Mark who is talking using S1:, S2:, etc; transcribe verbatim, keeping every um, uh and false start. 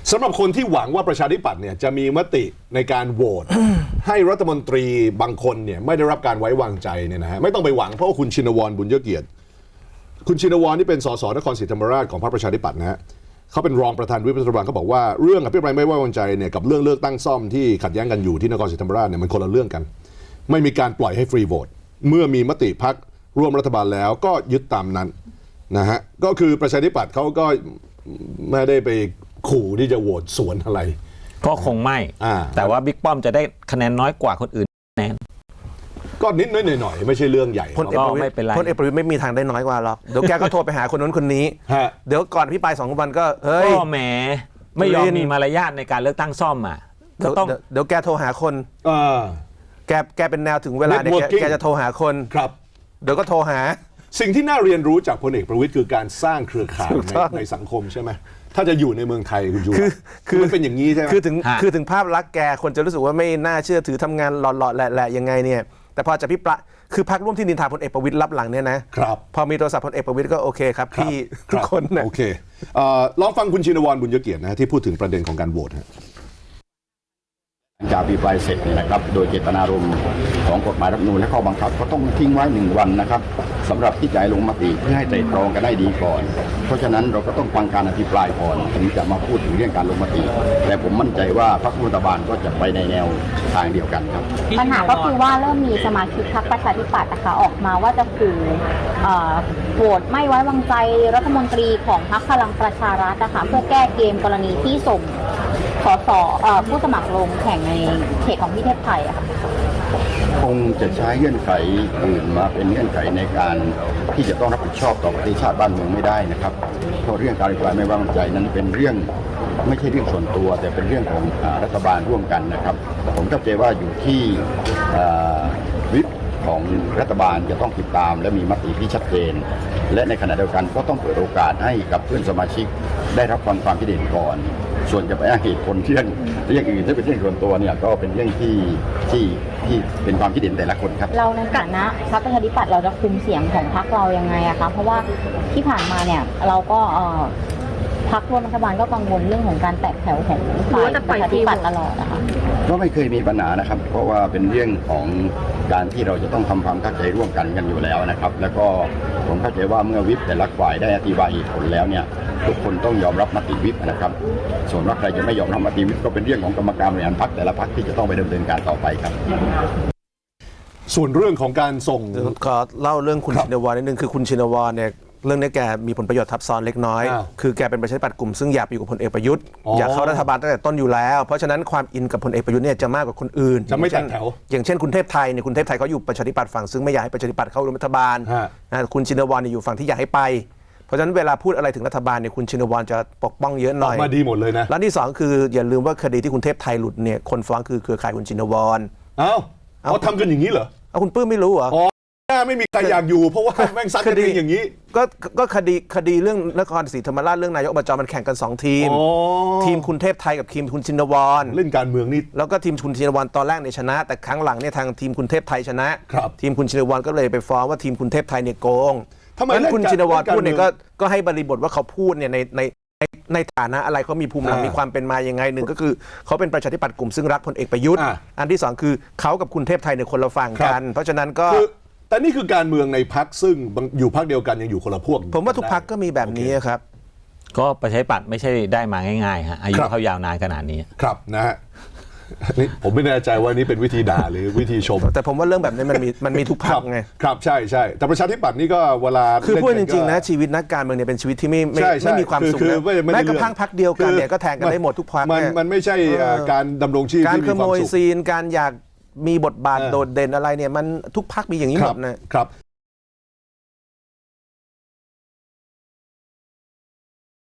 S1: สำหรับคนที่หวังว่าประชาธิปัตย์เนี่ยจะมีมติในการโหวต ให้รัฐมนตรีบางคนเนี่ยไม่ได้รับการไว้วางใจเนี่ยนะฮะไม่ต้องไปหวังเพราะว่าคุณชินวรบุญยเกียรติคุณชินวรนี่เป็นสสนครศรีธรรมราชของพรรคประชาธิปัตย์นะฮะเขาเป็นรองประธานวิปรัฐบาลเขาบอกว่าเรื่องอภิปรายไม่ไว้วางใจเนี่ยกับเรื่องเลือกตั้งซ่อมที่ขัดแย้งกันอยู่ที่นครศรีธรรมราชเนี่ยมันคนละเรื่องกันไม่มีการปล่อยให้ฟรีโหวตเมื่อมีมติพรรคร่วมรัฐบาลแล้วก็ยึดตามนั้นนะฮะก็คือประชาธิปัตย์เขาก็ไม่ได้ไปขู่ที่จะโหวตสวนอะไร
S2: ก็คงไม่แต่ว่าบิ๊กป้อมจะได้คะแนนน้อยกว่าคนอื่นแน่
S1: ก็นิดน้อยหน่อยไม่ใช่เรื่องใหญ่
S3: พลเอกประวิตรพลเอกประวิตรไม่มีทางได้น้อยกว่าหรอกเดี๋ยวแกก็โทรไปหาคนนู้นคนนี้เดี๋ยวก่อนพี่ปลายสองวันก็เฮ้ย
S2: ก็แหมไม่ยอมมีมารยาทในการเลือกตั้งซ่อมอ่ะ
S3: ก็ต้องเดี๋ยวแกโทรหาคนแกแกเป็นแนวถึงเวลาเนี่ยแกจะโทรหาคน
S1: ครับ
S3: เดี๋ยวก็โทรหา
S1: สิ่งที่น่าเรียนรู้จากพลเอกประวิตรคือการสร้างเครือข่ายในสังคมใช่ไหมถ้าจะอยู่ในเมืองไทยคุณยูคือคือมันเป็นอย่างนี้ใช่ไหม
S3: คือถึงคือถึงภาพลักษณ์แกคนจะรู้สึกว่าไม่น่าเชื่อถือทำงานหล่อๆแหละๆยังไงเนี่ยแต่พอจะพิปรายคือพรรคร่วมที่นินทาพลเอกประวิตรรับหลังเนี่ยนะครับพอมีโทรศัพท์พลเอกประวิตรก็โอเคครับพี่ทุกคนนะ
S1: โอเคลองฟังคุณชินวรบุญยเกียรตินะที่พูดถึงประเด็นของการโหวต
S4: จากอภิปรายเสร็จเนี่ยนะครับโดยเจตนารมณ์ของกฎหมายรัฐธรรมนูญและข้อบังคับก็ต้องทิ้งไว้หนึ่งวันนะครับสำหรับที่จะลงมติเพื่อให้ไตร่ตรองกันได้ดีก่อนเพราะฉะนั้นเราก็ต้องฟังการอภิปรายก่อนถึงจะมาพูดถึงเรื่องการลงมติแต่ผมมั่นใจว่าพรรครัฐบาลก็จะไปในแนวทางเดียวกันครับ
S5: ปัญหาก็คือว่าเริ่มมีสมาชิกพรรคประชาธิปัตย์นะคะออกมาว่าจะขู่โหวตไม่ไว้วางใจรัฐมนตรีของพรรคพลังประชารัฐนะคะเพื่อแก้เกมกรณีที่ส่งสสผู้สมัครลงแข่งในเขตของพี่เทพไทยอะค่ะ
S4: คงจะใช้เงื่อนไขอื่นมาเป็นเงื่อนไขในการที่จะต้องรับผิดชอบต่อประเทศชาติบ้านเมืองไม่ได้นะครับเพราะเรื่องการอภิปรายไม่ไว้วางใจนั้นเป็นเรื่องไม่ใช่เรื่องส่วนตัวแต่เป็นเรื่องของรัฐบาลร่วมกันนะครับผมเข้าใจว่าอยู่ที่วิปของรัฐบาลจะต้องติดตามและมีมติที่ชัดเจนและในขณะเดียวกันก็ต้องเปิดโอกาสให้กับเพื่อนสมาชิกได้รับฟังความคิดเห็นก่อนส่วนจะไปอ้างเหตุผลเรื่องเรื่องอื่นที่เป็นเรื่องส่วนตัวเนี่ยก็เป็นเรื่องที่ที่ที่เป็นความคิดเห็นแต่ละคนครับ
S5: เราในฐานะพรรคประชาธิปัตย์เราจะคุมเสียงของพรรคเรายังไงอะคะเพราะว่าที่ผ่านมาเนี่ยเราก็พรรคร่วมรัฐบาลก็กังวลเรื่องของการแตกแถวของฝ่ายประชาธิปัตย์ตลอดนะคะ
S4: ก็ไม่เคยมีปัญหานะครับเพราะว่าเป็นเรื่องของการที่เราจะต้องทำความเข้าใจร่วมกันกันอยู่แล้วนะครับแล้วก็ผมเข้าใจว่าเมื่อวิปแต่ละฝ่ายได้อธิบายเหตุผลแล้วเนี่ยทุกคนต้องยอมรับมติวิปนะครับส่วนว่าใครจะไม่ยอมรับมติวิปก็เป็นเรื่องของกรรมการบริหารพรรคแต่ละพรรคที่จะต้องไปดำเนินการต่อไปครับ
S1: ส่วนเรื่องของการส่ง
S3: ขอเล่าเรื่องคุณชินวรนิดนึงคือคุณชินวรเนี่ยเรื่องนี้แกมีผลประโยชน์ทับซ้อนเล็กน้อยคือแกเป็นประชาธิปัตย์กลุ่มซึ่งอยากอยู่กับพลเอกประยุทธ์อยากเข้ารัฐบาลตั้งแต่ต้นอยู่แล้วเพราะฉะนั้นความอินกับพลเอกประยุทธ์เนี่ยจะมากกว่าคนอื่น
S1: จะไม่แตกแถว
S3: อย่างเช่นคุณเทพไทยเนี่ยคุณเทพไทยเขาอยู่ประชาธิปัตย์ฝั่งซึ่งไม่อยากให้ประชาธิปัตย์เข้าร่วมรัฐบาลคุณชินวรเนี่ยอยู่ฝั่งที่อยากให้ไปเพราะฉะนั้นเวลาพูดอะไรถึงรัฐบาลเนี่ยคุณชินวรจะปกป้องเยอะหน่อย
S1: มาดีหมดเลยนะ
S3: แล้วที่สองคืออย่าลืมว่าคดีที่คุณเทพไทยหลุดเนี่ยคนฟ้องคือเครือข่ายคุณชินวร
S1: เอ้าเขาทำกันอย่างนี้เหรอ
S3: เอาคุณปื้มไม่รู้เหรอ
S1: ไม่มีใครอยากอยู่เพราะว่าแม่งซัดกันเองอย่างนี้
S3: ก็ก็คดีคดีเรื่องนครศรีธรรมราชเรื่องนายกอบจมันแข่งกันสองทีมทีมคุณเทพไทยกับทีมคุณชินวร
S1: เล่นการเมืองนี่
S3: แล้วก็ทีมคุณชินวรตอนแรกเนี่ยชนะแต่ครั้งหลังเนี่ยทางทีมคุณเทพไทยชนะทีมคุณชินวรก็เลยไปฟ้องว่าทีมคุณเทพไทยเนี่ยโกง
S1: ทำไม
S3: คุณชินวรพูดเนี่ยก็ก็ให้บริบทว่าเขาพูดเนี่ยในในในฐานะอะไรเขามีภูมิหลังมีความเป็นมายังไงหนึ่งก็คือเขาเป็นประชาธิปัตย์กลุ่มซึ่งรักพลเอกประยุทธ์อันที่สองคือเขากับคุณเทพไทยเนี่ยคนละฝั่งกันเพราะฉะนั้นก็
S1: แต่นี่คือการเมืองในพรรคซึ่งอยู่พรรคเดียวกันยังอยู่คนละพวก
S3: ผมว่าทุกพรรคก็มีแบบนี้ครับ
S2: ก็ประชาธิปัตย์ไม่ใช่ได้มาง่ายๆฮะอายุเขายาวนานขนาดนี้
S1: ครับนะฮะนี่ผมไม่แน่ใจว่านี่เป็นวิธีด่าหรือวิธีชม
S3: แต่ผมว่าเรื่องแบบนี้มันมีมันมีทุกพรรคไง
S1: ครับใช่ใช่แต่ประชาธิปัตย์นี่ก็เวลา
S3: คือพูดจริงๆนะชีวิตนักการเมืองเนี่ยเป็นชีวิตที่ไม่ไม่มีความสุขนะแม้กระทั่งพรรคเดียวกันเนี่ยก็แทงกันได้หมดทุกพรรค
S1: มันมันไม่ใช่การดำรงชีพ
S3: การขโมยซีนการอยากมีบทบาทโดดเด่นอะไรเนี่ยมันทุกพรรคมีอย่างนี้หมดนะครับ